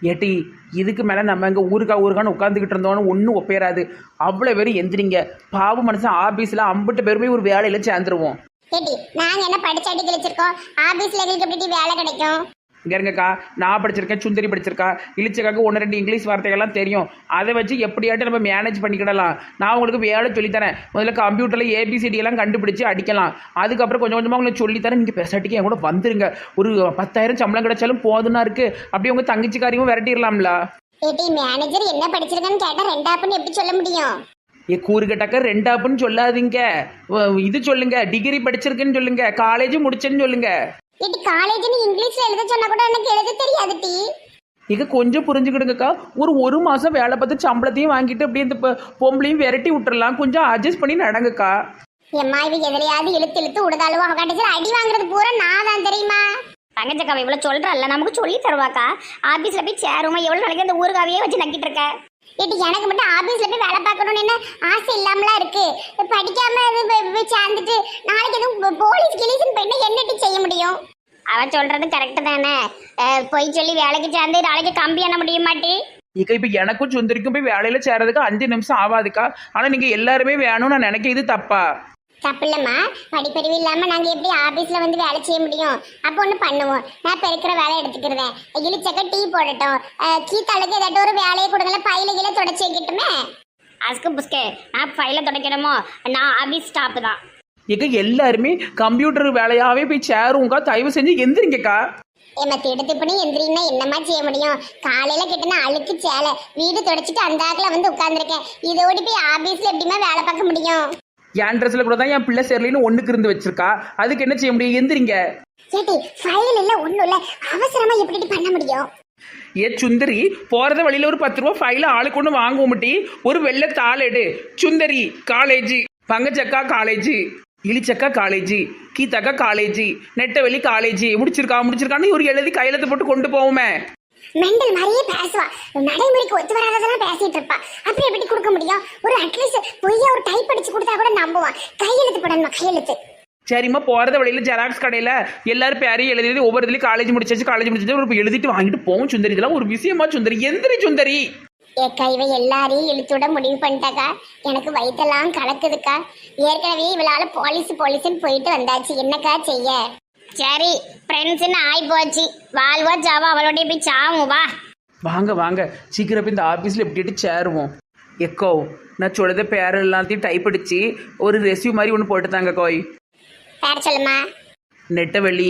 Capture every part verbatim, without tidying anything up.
ஏட்டி இதுக்கு மேலே நம்ம இங்கே ஊருக்கா ஊருக்கான்னு உட்காந்துக்கிட்டு இருந்தோன்னு ஒன்றும் ஒப்பேறாது. அவ்வளோ பேரும் எந்திரிங்க. பாவு மனுஷன் ஆஃபீஸில் அம்பிட்டு பேருமே ஒரு வேலையில் சேர்ந்துருவோம். ஏடி நாங்க என்ன படிச்சாட்டி கிழிச்சிருக்கோம், ஆபீஸ்ல எங்களுக்கு எப்படி வேலை கிடைக்கும்? இங்கே இருங்கக்கா, நான் படிச்சிருக்கேன், சுந்தரி படிச்சிருக்கா, இழிச்சக்காக்கு ஒன்று ரெண்டு இங்கிலீஷ் வார்த்தைகள்லாம் தெரியும். அதை வச்சு எப்படியாட்டும் நம்ம மேனேஜ் பண்ணிக்கிடலாம். நான் உங்களுக்கு வேலை சொல்லித்தரேன். முதல்ல கம்ப்யூட்டரில் ஏபிசிடி எல்லாம் கண்டுபிடிச்சு அடிக்கலாம். அதுக்கப்புறம் கொஞ்சம் கொஞ்சமாக உங்களுக்கு சொல்லித்தரேன். நீங்கள் பெசாட்டிக்கு என் கூட வந்துருங்க. ஒரு பத்தாயிரம் சம்பளம் கிடைச்சாலும் போதுன்னா இருக்கு. அப்படியே உங்கள் தங்கச்சிக்காரையும் விரட்டிடலாம்ல. ஏடி மேனேஜர் என்ன படிச்சிருக்கேன்னு கேட்டா ரெண்டாப்புன்னு எப்படி சொல்ல முடியும்? ஏ கூறுகட்டக்க ரெண்டாப்புன்னு சொல்லாதீங்க. இது சொல்லுங்க, டிகிரி படிச்சிருக்குன்னு சொல்லுங்க, காலேஜ் முடிச்சேன்னு சொல்லுங்க. ஏடி காலேஜ்னு இங்கிலீஷ்ல எழுத சொன்னா கூட எனக்கு எழுத தெரியாது டி. இங்க கொஞ்சம் புரிஞ்சுக்கிடுங்கக்கா. ஒரு ஒரு மாசம் வேலை பார்த்து சம்பளத்தையும் வாங்கிட்டு அப்படியே இந்த பொம்பளையும் விரட்டி விட்டுறலாம். கொஞ்சம் அட்ஜஸ்ட் பண்ணி நடங்கக்கா. எம்மா இவ எதிரையாவது இழுத்து இழுத்து உடதாளுவா கடைசியில் அடி வாங்குறது பூரா நான் தான் தெரியுமா? தங்கச்சக்கா இவ்வளவு சொல்றல்ல, நமக்கு சொல்லி தருவாக்கா. ஆபீஸ்ல போய் சேருமா? எவ்வளவு நாளைக்கு அந்த ஊருக்காவையே வச்சு நக்கிட்டு இருக்க? ஏடி எனக்கு மட்டும் ஆபீஸ்ல போய் வேலை பார்க்கணும்னு என்ன ஆசை இல்லாமலாம் இருக்கு. படிக்காம இது சேர்ந்துட்டு நாளைக்கு எதுவும் போலீஸ் கிளீஸ்ன்னு போயிட்டு என்னட்டி செய்ய முடியும்? அவன் சொல்றது கரெக்டு தானே. போய் சொல்லி வேலைக்கு சேர்ந்து நாளைக்கு கம்பி என்ன முடிய மாட்டி. இக்க இப்ப எனக்கும் சுந்தரிக்கும் போய் வேலையில சேர்றதுக்கு அஞ்சு நிமிஷம் ஆகாதுக்கா. ஆனா நீங்க எல்லாருமே வேணும்னு நான் நினைக்க இது தப்பா? தப்பு இல்லம்மா, படிப்பறிவு இல்லாம நாங்க எப்படி ஆபீஸ்ல வந்து வேலை செய்ய முடியும்? அப்போ ஒண்ணு பண்ணுவோம், நான் பெருக்கிற வேலை எடுத்துக்கிறேன். இழிச்சக்க டீ போடட்டும், கீத்தாளுக்கு ஏதாட்டும் ஒரு வேலையை கொடுங்கல, பையில கீழே தொடச்சி வைக்கட்டுமே. அஸ்கு புஸ்கே நான் ஃபைல தொடக்கணுமோ? நான் ஆபீஸ் ஸ்டாப் தான். இக்க எல்லாருமே கம்ப்யூட்டர் வேலையாவே போய் சேருங்கக்கா. தயவு செஞ்சு எந்திரிங்கக்கா. ஏமா திடுத்து பண்ணி எந்திரின்னா என்னமா செய்ய முடியும்? காலையில கிட்டனா அழுக்கு சேலை வீடு தொடச்சிட்டு அந்த ஆக்கில் வந்து உட்கார்ந்துருக்கேன். இதோடி போய் ஆபீஸ்ல எப்படிமா வேலை பார்க்க முடியும்? என் ட்ரெஸ்ல கூட தான் என் பிள்ளை சேரலின்னு ஒண்ணுக்கு இருந்து வச்சிருக்கா. அதுக்கு என்ன செய்ய முடியும்? எந்திரிங்க. சேட்டி ஃபைல் இல்ல ஒண்ணும் இல்ல, அவசரமா எப்படி பண்ண முடியும்? ஏ சுந்தரி, போறத வழியில ஒரு பத்து ரூபா ஃபைல ஆளுக்கு ஒன்று வாங்குவோம் முட்டி. ஒரு வெள்ளை தாள் எடு. சுந்தரி காலேஜ், பங்கச்சக்கா காலேஜ், இழிச்சக்கா காலேஜ், கீதாக்கா காலேஜ், நெட்டவெளி காலேஜ் முடிச்சிருக்கா முடிச்சிருக்கான்னு ஒரு எழுதி கையெழுத்து போட்டு கொண்டு போவோமே. மெண்டல் மாதிரியே பேசுவா, நடைமுறைக்கு ஒத்து வராததெல்லாம் பேசிட்டு இருப்பா. அப்புறம் எப்படி கொடுக்க முடியும்? ஒரு அட்லீஸ்ட் பொய்யா ஒரு டைப் அடிச்சு கொடுத்தா கூட நம்புவான். கையெழுத்து போடணுமா? கையெழுத்து. சரிம்மா, போறத வழியில ஜெராக்ஸ் கடையில எல்லாரும் பேரையும் எழுதி ஒவ்வொரு இதுலயும் காலேஜ் முடிச்சாச்சு காலேஜ் முடிச்சாச்சு ஒரு எழுதிட்டு வாங்கிட்டு போவோம். சுந்தரி இதெல்லாம் ஒரு விஷயமா? சுந்தரி எந்திரி சுந்தரி. ஏக்கா இவ எல்லாரையும் இழுத்துட முடிவு பண்ணிட்டாக்கா. எனக்கு வயிற்றெல்லாம் கலக்குதுக்கா. ஏற்கனவே இவளால போலீஸ் போலீஸ்ன்னு போயிட்டு வந்தாச்சு, என்னக்கா செய்ய? சரி ஃப்ரெண்ட்ஸ்ன்னு ஆகி போச்சு. வாழ்வா ஜாவா அவளோடய போய் சாவும். வா வாங்க வாங்க சீக்கிரம் போய் இந்த ஆஃபீஸில் எப்படிட்டு சேருவோம். எக்கோ நான் சொல்லுத பேர் எல்லாத்தையும் டைப் அடிச்சு ஒரு ரெசியூ மாதிரி ஒன்று போட்டுத்தாங்க கோய். பேர் சொல்லுமா? நெட்டவெளி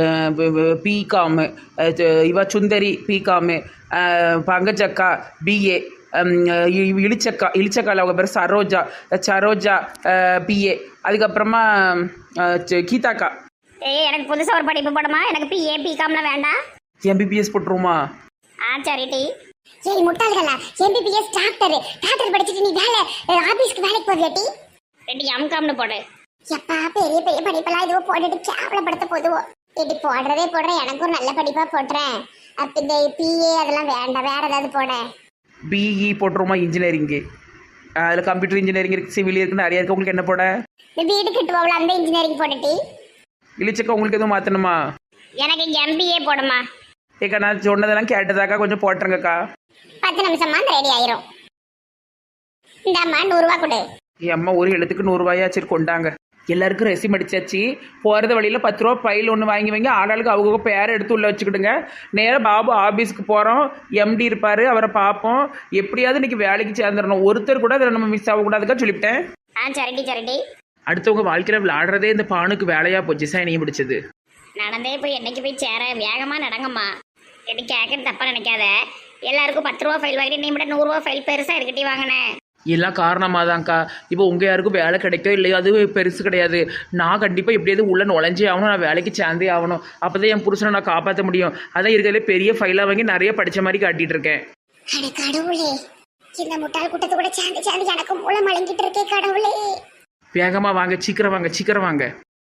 பிகாமு, இவ சுந்தரி பிகாமு, பங்கச்சக்கா பிஏ, இழிச்சக்கா இழிச்சக்கால அவங்க பேர் சரோஜா சரோஜா பிஏ, அதுக்கப்புறமா கீதாக்கா. ஏய் எனக்கு புதுசாக ஒரு படிப்பு போடுமா? எனக்கு பிஏ பிகாம்லாம் வேண்டாம். எம்பிபிஎஸ் போட்டுருமா? ஆ சரி டி. ஏய் முட்டாள்களா, எம்பிபிஎஸ் டாக்டர் டாக்டர் படிச்சுட்டு நீ வேலை ஆபீஸ்க்கு வேலைக்கு போவியாட்டி? ரெண்டு எம்காம்னு போடு. எப்பா பெரிய பெரிய படிப்பெல்லாம் இதுவோ போட்டுட்டு கேவலப்படுத்த போதுவோம். இப்படி போடுறதே போடுறேன், எனக்கு ஒரு நல்ல படிப்பா போட்டுறேன். அப்ப இந்த பிஏ அதெல்லாம் வேண்டாம், வேற ஏதாவது போட. பிஇ போட்டுருமா? இன்ஜினியரிங்கு, அதில் கம்ப்யூட்டர் இன்ஜினியரிங் இருக்குது, சிவில் இருக்குது, நிறைய இருக்குது. உங்களுக்கு என்ன போட? வீடு கட்டுவோம்ல அந்த இன்ஜினியரிங் போட்டுட்டி. இழிச்சக்கா உங்களுக்கு எதுவும் மாற்றணுமா? எனக்கு எம்பிஏ போடுமா? ஏக்கா நான் சொன்னதெல்லாம் கேட்டதாக்கா, கொஞ்சம் போட்டுருங்கக்கா. பத்து நிமிஷமா அந்த ரெடி ஆயிரும். இந்தாம்மா நூறுரூவா கொடு. என் அம்மா ஒரு எழுத்துக்கு நூறுரூவாயா சரி கொண்டாங்க. எல்லாருக்கும் ரெசிம் அடிச்சாச்சு. போகிறது வழியில் பத்து ரூபா பையில் ஒன்று வாங்கி வைங்க. ஆளாளுக்கு அவங்க பேரை எடுத்து உள்ளே வச்சுக்கிடுங்க. நேராக பாபு ஆஃபீஸுக்கு போகிறோம். எம்டி இருப்பார், அவரை பார்ப்போம். எப்படியாவது இன்னைக்கு வேலைக்கு சேர்ந்துடணும். ஒருத்தர் கூட அதில் நம்ம மிஸ் ஆகக்கூடாதுக்கா சொல்லிவிட்டேன். ஆ சரிடி சரிடி. அடுத்தவங்க வாழ்க்கையில் விளையாடுறதே இந்த பானுக்கு வேலையாக போச்சு. சைனியும் பிடிச்சது. நடந்தே போய் என்னைக்கு போய் சேர வேகமாக நடங்கம்மா. எப்படி கேட்கறது தப்பாக நினைக்காத. எல்லாருக்கும் பத்து ரூபா ஃபைல் வாங்கிட்டு நீ மட்டும் நூறுரூவா ஃபைல் பெருசாக இருக்கட்டி வாங்கினேன். எல்லாம் காரணமாக தான்க்கா. இப்போ உங்கள் யாருக்கும் வேலை கிடைக்கோ இல்லையோ அது பெருசு கிடையாது. நான் கண்டிப்பாக எப்படியாவது உள்ள நுழைஞ்சே ஆகணும். நான் வேலைக்கு சேர்ந்தே ஆகணும். அப்போ தான் என் புருஷனை நான் காப்பாற்ற முடியும். அதான் இருக்கிறதுலே பெரிய ஃபைலாக வாங்கி நிறைய படித்த மாதிரி காட்டிகிட்டு இருக்கேன். கடவுளே, இந்த முட்டாள் கூட்டத்தை கூட சேர்ந்து சேர்ந்து எனக்கு மூலம் வழங்கிட்டு இருக்கே கடவுளே. வேகமாக வாங்க, சீக்கிரம் வாங்க, சீக்கிரம் வாங்க.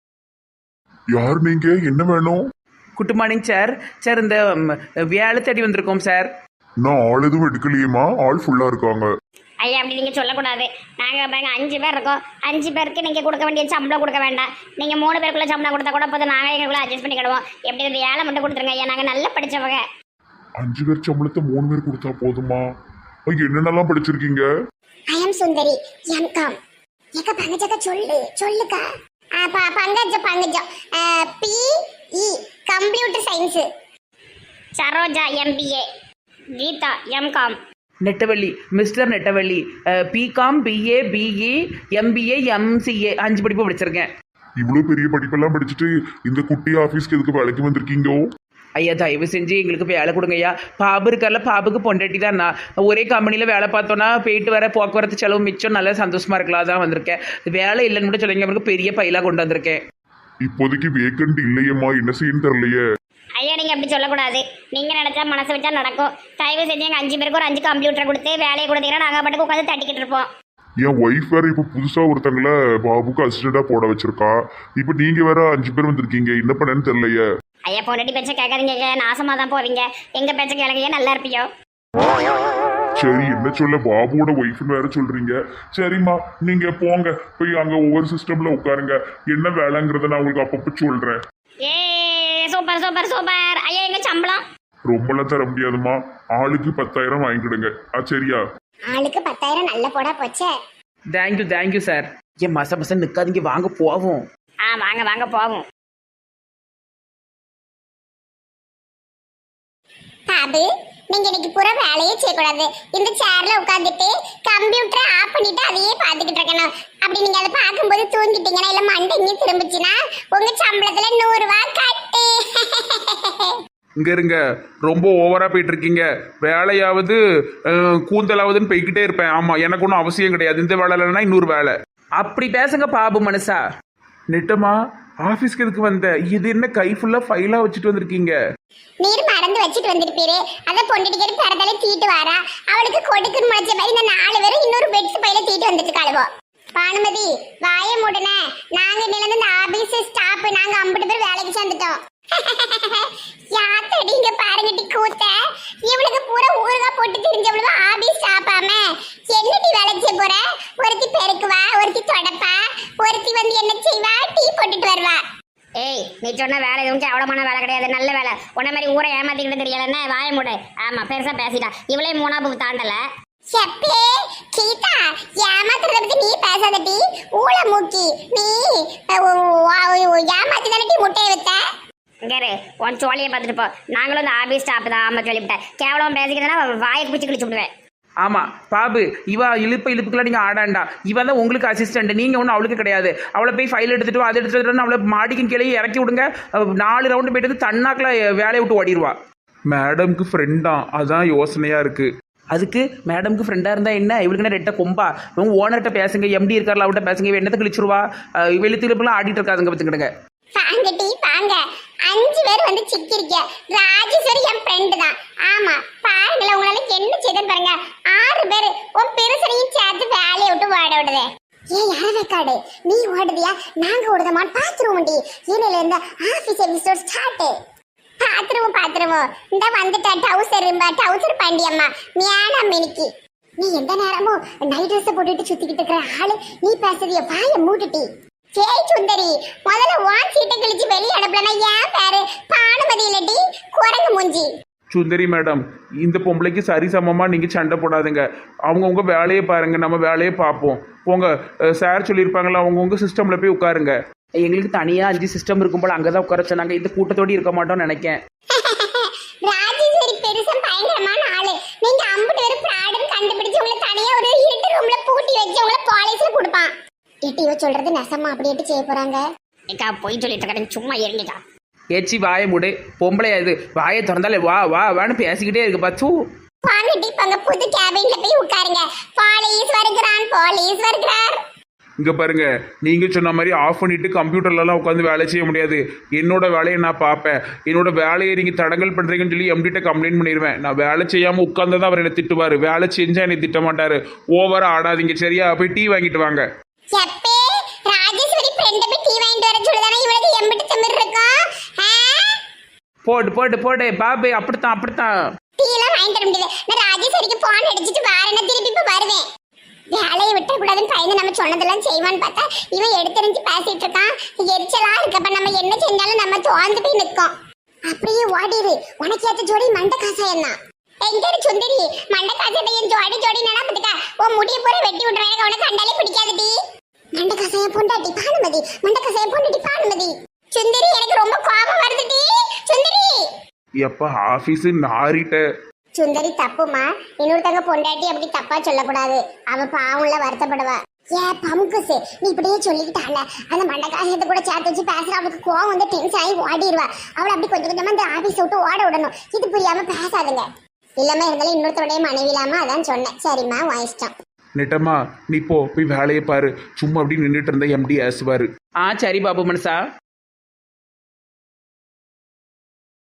யார் நீங்க? என்ன வேணும்? Good morning sir. சார் இந்த வேலை தேடி வந்திருக்கோம் சார். நான் ஆள் எதுவும் எடுக்கலையேம்மா, ஆள் ஃபுல்லா இருக்காங்க. ஐயா அப்படி நீங்கள் சொல்லக்கூடாது. நாங்கள் பாருங்க அஞ்சு பேர் இருக்கோம். அஞ்சு பேருக்கு நீங்கள் கொடுக்க வேண்டிய சம்பளம் கொடுக்க வேண்டாம். நீங்கள் மூணு பேருக்குள்ள சம்பளம் கொடுத்தா கூட போதும். நாங்கள் எங்களுக்குள்ள அட்ஜஸ்ட் பண்ணிக்கிடுவோம். எப்படி இந்த ஏழை மட்டும் கொடுத்துருங்க ஐயா, நாங்கள் நல்லா படித்தவங்க. அஞ்சு பேர் சம்பளத்தை மூணு பேர் கொடுத்தா போதுமா? ஐயா, என்னென்னலாம் படிச்சிருக்கீங்க? I M Sundari MCom. ஏக்கா பங்கஜக்கா சொல்லு சொல்லுக்கா. ஆ, ப- Pankajam Pankajam B E computer science. Saroja MBA. Geetha MCom. Nettavalli mister Nettavalli BCom BA BE MBA MCA அஞ்சு படிப்பு படிச்சிருக்கேன். இவ்வளவு பெரிய படிப்பெல்லாம் படிச்சுட்டு இந்த குட்டி ஆபீஸ்க்கு எதுக்கு வேலைக்கு வந்திருக்கீங்கோ? ஐயா தயவு செஞ்சு எங்களுக்கு வேலை கொடுங்க ஐயா. பாபு இருக்கார்ல, பாபுக்கு பொண்டாட்டி தான் நான். ஒரே கம்பெனியில் வேலை பார்த்தோன்னா போயிட்டு வர போக்குவரத்து செலவு மிச்சம், நல்லா சந்தோஷமா இருக்கலாம் தான் வந்திருக்கேன். வேலை இல்லைன்னு கூட சொல்லுங்க, அவருக்கு பெரிய பையிலாக கொண்டு வந்திருக்கேன். இப்போதைக்கு வேக்கண்ட் இல்லையம்மா, என்ன செய்யன்னு தெரியலையே. ஐயா நீங்கள் அப்படி சொல்லக்கூடாது. நீங்கள் நினச்சா மனசு வச்சா நடக்கும். தயவு செஞ்சு எங்கள் அஞ்சு பேருக்கு ஒரு அஞ்சு கம்ப்யூட்டர் கொடுத்து வேலையை கொடுத்தீங்கன்னா நாங்கள் பாட்டுக்கு உட்காந்து தட்டிக்கிட்டு இருப்போம். என் ஒய்ஃப் வேற இப்ப புதுசா ஒருத்தங்கள பாபுக்கு அசிஸ்டண்டா போட வச்சிருக்கா. இப்ப நீங்க வேற அஞ்சு பேர் வந்திருக்கீங்க, என்ன பண்ணேன்னு தெரியலையே. ஐயா பொண்டாட்டி பேச்ச கேட்காதீங்க, நாசமாக தான் போவீங்க. எங்கள் பேச்ச கேளுங்க, நல்லா இருப்பியோ. சரி, என்ன சொல்ல, பாபுவோட ஒய்ஃப்னு வேற சொல்றீங்க. சரிம்மா, நீங்க போங்க, போய் அங்க ஒவ்வொரு சிஸ்டம்ல உட்காருங்க. என்ன வேலைங்கிறத நான் உங்களுக்கு அப்பப்போ சொல்றேன். ஏ சூப்பர் சூப்பர் சூப்பர். ஐயா எங்கள் சம்பளம் ரொம்பலாம் தர முடியாதுமா, ஆளுக்கு பத்தாயிரம் வாங்கிக்கிடுங்க. ஆ சரியா? ஆளுக்கு பத்தாயிரம் நல்ல போடா போச்சே. Thank you thank you sir. ஏன் மச மச நிற்காதீங்க, வாங்க போவோம். ஆ வாங்க வாங்க போவோம். பாபு, நீங்க இன்னைக்கு பூரா வேலையே செய்யக்கூடாது. இந்த சேர்ல உட்காந்துட்டு கம்ப்யூட்டரை ஆஃப் பண்ணிட்டு அதையே பார்த்துக்கிட்டு இருக்கணும். அப்படி நீங்க அதை பார்க்கும்போது தூங்கிட்டீங்கன்னா இல்ல மண்டை இங்கே திரும்பிச்சுன்னா உங்க சம்பளத்துல நூறு ரூபாய் கட்டு. இங்க இருங்க, ரொம்ப ஓவரா போயிட்டு இருக்கீங்க. வேலையாவது அஹ், கூந்தலாவதுன்னு போய்கிட்டே இருப்பேன். ஆமா, எனக்கு ஒன்றும் அவசியம் கிடையாது. இந்த வேலை இல்லைன்னா இன்னொரு வேலை. அப்படி பேசுங்க பாபு மனுஷா. நெட்டமா ஆஃபீஸ்க்கு எதுக்கு வந்த? இது என்ன கை ஃபுல்லா ஃபைலா வச்சுட்டு வந்திருக்கீங்க? நீர் மறந்து வச்சுட்டு வந்திருப்பீரு. அதை பொண்டுடிக்கிற பிறந்தாலே தீட்டு வாரா. அவளுக்கு கொடுக்குன்னு முளைச்ச மாதிரி இந்த நாலு பேரும் இன்னொரு பெட்ஸ் பையில தீட்டு வந்துட்டு காலுவோ. பானுமதி வாய மூடன. நாங்க நிலந்து இந்த ஆபீஸ் ஸ்டாப், நாங்க ஐம்பது பேர் வேலைக்கு சேர்ந்துட்டோம். யாத்தடி இங்க பாருங்கட்டி கூத்த. இவளுக்கு பூரா ஊருகா போட்டு தெரிஞ்சவளுக்கு ஆபீஸ் ஸ்டாப்பாம என்னடி வேலை செய்ய போற? ஒருத்தி பெருக்குவா, ஒருத்தி தொடப்பா, ஒருத்தி வந்து என்ன செய்வா, டீ போட்டுட்டு வருவா. ஏய் நீ சொன்ன வேலை எதுவும் கேவலமான வேலை கிடையாது, நல்ல வேலை. உன்ன மாதிரி ஊரை ஏமாத்திக்கிட்டு தெரியலன்னா வாய மூடு. ஆமா பெருசா பேசிட்டா. இவளே மூணாபு தாண்டல. செப்பே கீதா, ஏமாத்துறத பத்தி நீ பேசாதடி. ஊழ மூக்கி நீ ஏமாத்தி தானே முட்டையை வைத்த. இங்கே உன் சோழியை பார்த்துட்டு போ. நாங்களும் இந்த ஆபீஸ் ஸ்டாப் தான். ஆமா சொல்லிவிட்டேன். கேவலம் பேசிக்கிறதுனா வாயை பிடிச்சி கிழிச்சு விடுவேன். ஆமா பாபு, இவ இழுப்பு இழுப்புக்கெல்லாம் நீங்க ஆடாண்டா. இவன் தான் உங்களுக்கு அசிஸ்டன்ட், நீங்க ஒன்றும் அவளுக்கு கிடையாது. அவளை போய் ஃபைல் எடுத்துட்டு வா, அதை எடுத்துட்டு வந்து அவளை மாடிக்கும் கீழே இறக்கி விடுங்க. அவ நாலு ரவுண்டு போயிட்டு வந்து தன்னாக்கில் வேலையை விட்டு ஓடிடுவா. மேடம்க்கு ஃப்ரெண்டா, அதான் யோசனையா இருக்கு. அதுக்கு மேடம்க்கு ஃப்ரெண்டாக இருந்தால் என்ன, இவளுக்கு என்ன ரெட்ட கொம்பா? இவங்க ஓனர்கிட்ட பேசுங்க, எம்டி இருக்கார்ல அவட்ட பேசுங்க. இவ என்னத்தை கிழிச்சிருவா? வெளுத்து இழுப்புலாம் ஆடிட்டு இருக்காதுங்க பார்த்துக்கிடுங்க. வாங்க டீ வாங்க. அஞ்சு பேர் வந்து சிக்கிருக்க. ராஜேஸ்வரி என் ஃப்ரெண்டு தான். ஆமா பாருங்களேன், உங்களால என்ன செய்தேன்னு பாருங்க. ஆறு பேர் உன் பெருசனையும் சேர்த்து வேலையை விட்டு ஓட விடுதே. ஏன் யாரவேக்காடு நீ ஓடுதியா நாங்க ஓடுதமான்னு பாத்துருவோம் டி. ஈனில இருந்த ஆபீஸ் எபிசோட் ஸ்டார்ட். பாத்துருவோம் பாத்துருவோம். இந்த வந்துட்டா டவுசர் டவுசர் பாண்டியம்மா மியானா மினிக்கி. நீ எந்த நேரமும் நைட் ட்ரெஸ் போட்டுட்டு சுத்திக்கிட்டு இருக்கிற ஆளு நீ பேசுறிய வாய மூட்டுட்டி. ஜெய் சுந்தரி, முதல்ல வான் சீட்டை கிழிச்சு வெளியே அனுப்பலன்னா ஏன் பேரு பானுமதி இல்லடி குரங்கு மூஞ்சி. சுந்தரி மேடம், இந்த பொம்பளைக்கு சரி சமமா நீங்க சண்டை போடாதுங்க. அவங்கவுங்க வேலையை பாருங்க, நம்ம வேலையை பார்ப்போம். போங்க, சார் சொல்லியிருப்பாங்களா, அவங்கவுங்க சிஸ்டம்ல போய் உட்காருங்க. எங்களுக்கு தனியாக அஞ்சு சிஸ்டம் இருக்கும் போல அங்கே தான் உட்கார சொன்னாங்க. இந்த கூட்டத்தோடு இருக்க மாட்டோம்னு நினைக்கேன். ராஜேஸ்வரி பெருசும் பயங்கரமான ஆளு. நீங்க ஐம்பது பேர் பிராடுன்னு கண்டுபிடிச்சு உங்களை தனியா ஒரு இருட்டு ரூம்ல பூட்டி வச்சு உங்களை போலீஸ்ல கொடுப்பான். இட்டியோ சொல்றது நெசமா அப்படியே செய்ய போறாங்க. ஏக்கா போய் சொல்லிட்டு இருக்கேன், சும்மா இருங்கக்கா. ஏச்சி வாயை மூடு. பொம்பளை அது வாயை திறந்தாலே வா வா வான்னு பேசிக்கிட்டே இருக்கு பாச்சு. வாங்க டி பங்க புது கேபின்ல போய் உட்காருங்க. போலீஸ் வருகிறான், போலீஸ் வருகிறார். இங்க பாருங்க, நீங்க சொன்ன மாதிரி ஆஃப் பண்ணிட்டு கம்ப்யூட்டர்லலாம் உட்காந்து வேலை செய்ய முடியாது. என்னோட வேலையை நான் பார்ப்பேன். என்னோட வேலையை நீங்க தடங்கல் பண்றீங்கன்னு சொல்லி எம்டிட்ட கம்ப்ளைண்ட் பண்ணிடுவேன். நான் வேலை செய்யாம உட்கார்ந்ததான் அவர் என்னை திட்டுவாரு. வேலை செஞ்சா என்னை திட்ட மாட்டாரு. ஓவரா ஆடாதீங்க சரியா? போய் டீ வாங்கிட்டு வாங்க. எப்பே ராஜேஸ்வரி ஃப்ரெண்ட் போய் டீ வாங்கிட்டு வர சொல்லுதானே இவளுக்கு எம்பிட்டு திமிர் இருக்கும். போடு போடு போடு பாபு, அப்படித்தான் அப்படித்தான். டீ எல்லாம் வாங்கிட்டு வர முடியாது. நான் ராஜேஸ்வரிக்கு போன் அடிச்சிட்டு வாரேன்னா திருப்பி இப்ப வருவேன். வேலையை விட்டக்கூடாதுன்னு பயந்து நம்ம சொன்னதெல்லாம் செய்வான்னு பார்த்தா இவன் எடுத்தறிஞ்சு பேசிட்டு இருக்கான். எரிச்சலா இருக்கப்ப நம்ம என்ன செஞ்சாலும் நம்ம தோந்து போய் நிற்கும். அப்படியே ஓடிரு. உனக்கு ஏத்த ஜோடி மண்ட காசாயம் தான். எங்க இரு சுந்தரி, மண்ட காசாயத்தை என் ஜோடி ஜோடி நடந்துக்க. உன் முடிய போற வெட்டி விட்டுறேன். எனக்கு அவனை கண்டாலே பிடிக்காதுடி. மண்ட காசாயம் பொண்டாட்டி பானுமதி, மண்ட காசாயம் பொண்டாட்டி பானுமதி. சுந்தரி எனக்கு ரொம்ப கோபம் வருதுடி. சுந்தரி எப்ப ஆபீஸ் நாரிட்ட. சுந்தரி தப்புமா. இன்னொருத்தங்க பொண்டாட்டி அப்படி தப்பா சொல்லக்கூடாது. அவ பாவம்ல வருத்தப்படுவா. ஏ பமுக்குசு, நீ இப்படியே சொல்லிக்கிட்டால அந்த மண்டக்காசத்தை கூட சேர்த்து வச்சு பேசுற. அவளுக்கு கோவம் வந்து டென்ஷன் ஆகி ஓடிடுவா. அவளை அப்படி கொஞ்சம் கொஞ்சமா இந்த ஆபீஸ் விட்டு ஓட விடணும். இது புரியாம பேசாதுங்க. இல்லாம இருந்தாலும் இன்னொருத்தருடைய மனைவி இல்லாம அதான் சொன்னேன். சரிம்மா வாங்கிச்சிட்டோம். நெட்டம்மா நீ போ போய் வேலையை பாரு. சும்மா அப்படி நின்றுட்டு இருந்த எம்டி ஆசுவாரு. ஆ சரி பாபு மனுஷா.